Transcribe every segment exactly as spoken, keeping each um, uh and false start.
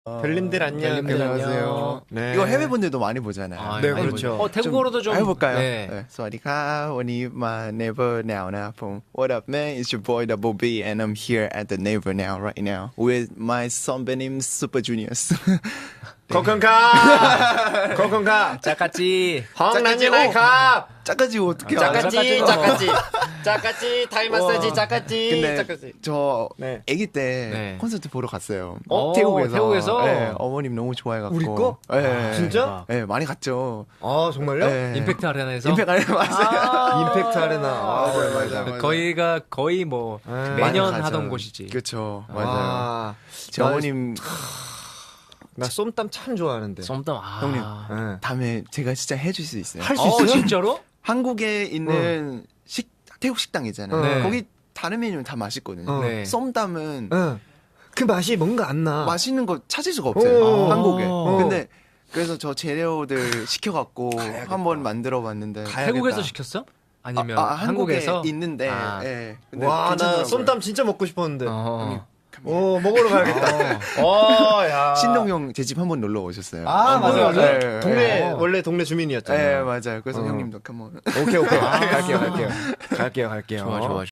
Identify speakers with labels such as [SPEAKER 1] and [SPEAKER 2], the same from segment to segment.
[SPEAKER 1] 별님들 안녕.
[SPEAKER 2] 별님들
[SPEAKER 3] 안녕하세요.
[SPEAKER 1] 네.
[SPEAKER 3] 이거 해외 분들도 많이 보잖아요.
[SPEAKER 2] 아,
[SPEAKER 1] 네,
[SPEAKER 2] 많이
[SPEAKER 1] 그렇죠.
[SPEAKER 2] 보죠. 어, 태국어로도 좀
[SPEAKER 3] 해볼까요?
[SPEAKER 2] 네.
[SPEAKER 3] 네. สวัสดีครับวันนี้มา Never Now นะครับผม What up man? It's your boy Double B and I'm here at the Never Now right now with my 선배님 Super Juniors.
[SPEAKER 1] 코콘카. 코콘카.
[SPEAKER 2] 짜까지.
[SPEAKER 1] ห้องนั้นอยู่ไหนครับ
[SPEAKER 3] 짜까지 어떻게
[SPEAKER 1] 짜까지,
[SPEAKER 3] 알아요?
[SPEAKER 1] 짜까지. 짜까지, 타이 마사지, 짜까지.
[SPEAKER 3] 근데
[SPEAKER 1] 짜까지.
[SPEAKER 3] 저
[SPEAKER 1] 네.
[SPEAKER 3] 아기 때
[SPEAKER 2] 네.
[SPEAKER 3] 콘서트 보러 갔어요.
[SPEAKER 2] 어,
[SPEAKER 3] 태국에서.
[SPEAKER 2] 태국에서?
[SPEAKER 3] 네, 어머님 너무 좋아해갖고.
[SPEAKER 1] 우리 거?
[SPEAKER 3] 네.
[SPEAKER 1] 진짜?
[SPEAKER 3] 네, 많이 갔죠.
[SPEAKER 1] 아, 정말요?
[SPEAKER 3] 네.
[SPEAKER 2] 임팩트 아레나에서
[SPEAKER 3] 임팩트 아레나 맞아요.
[SPEAKER 1] 임팩트 아레나. 아,
[SPEAKER 3] 맞아요, 맞아요, 맞아요.
[SPEAKER 2] 거기가 거의 뭐
[SPEAKER 1] 네.
[SPEAKER 2] 매년
[SPEAKER 3] 많이
[SPEAKER 2] 하던
[SPEAKER 3] 가죠.
[SPEAKER 2] 곳이지.
[SPEAKER 3] 그렇죠, 맞아요.
[SPEAKER 1] 아,
[SPEAKER 3] 제 어머님
[SPEAKER 1] 나 쏨땀 참 좋아하는데.
[SPEAKER 2] 쏨땀 아.
[SPEAKER 3] 형님.
[SPEAKER 1] 네.
[SPEAKER 3] 다음에 제가 진짜 해줄 수 있어요.
[SPEAKER 1] 할 수
[SPEAKER 2] 어,
[SPEAKER 1] 있어요?
[SPEAKER 2] 진짜로?
[SPEAKER 3] 한국에 있는 식 태국 식당 있잖아요.
[SPEAKER 2] 네.
[SPEAKER 3] 거기 다른 메뉴는 다 맛있거든요.
[SPEAKER 1] 어.
[SPEAKER 2] 네.
[SPEAKER 3] 쏨땀은
[SPEAKER 1] 응. 그 맛이 뭔가 안 나.
[SPEAKER 3] 맛있는 거 찾을 수가 없어요.
[SPEAKER 1] 오.
[SPEAKER 3] 한국에.
[SPEAKER 2] 어.
[SPEAKER 3] 근데 그래서 저 재료들 시켜갖고 한번 만들어봤는데
[SPEAKER 2] 태국에서 시켰어? 아니면
[SPEAKER 3] 아, 아,
[SPEAKER 2] 한국에서
[SPEAKER 3] 한국에 있는데
[SPEAKER 2] 아.
[SPEAKER 3] 예. 근데
[SPEAKER 1] 와, 나
[SPEAKER 3] 괜찮더라고요.
[SPEAKER 1] 쏨땀 진짜 먹고 싶었는데.
[SPEAKER 2] 어.
[SPEAKER 1] 오, 먹으러 가야겠다. 어, 야.
[SPEAKER 3] 신동 형 제 집 한번 놀러 오셨어요.
[SPEAKER 1] 아, 맞아, 맞아.
[SPEAKER 3] 네,
[SPEAKER 1] 동네,
[SPEAKER 3] 네.
[SPEAKER 1] 원래 동네 주민이었잖아요.
[SPEAKER 3] 네 맞아요. 그래서
[SPEAKER 1] 어.
[SPEAKER 3] 형님도 한번
[SPEAKER 1] 오케이, 오케이. 갈게요, 갈게요. 갈게요, 갈게요.
[SPEAKER 2] 좋아 좋아.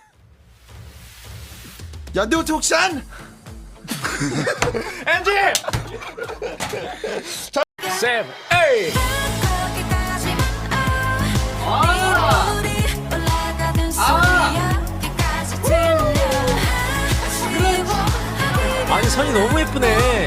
[SPEAKER 3] 야도 족산
[SPEAKER 1] 엔지!
[SPEAKER 2] 쌤, 에이. 아니 선이 너무 예쁘네.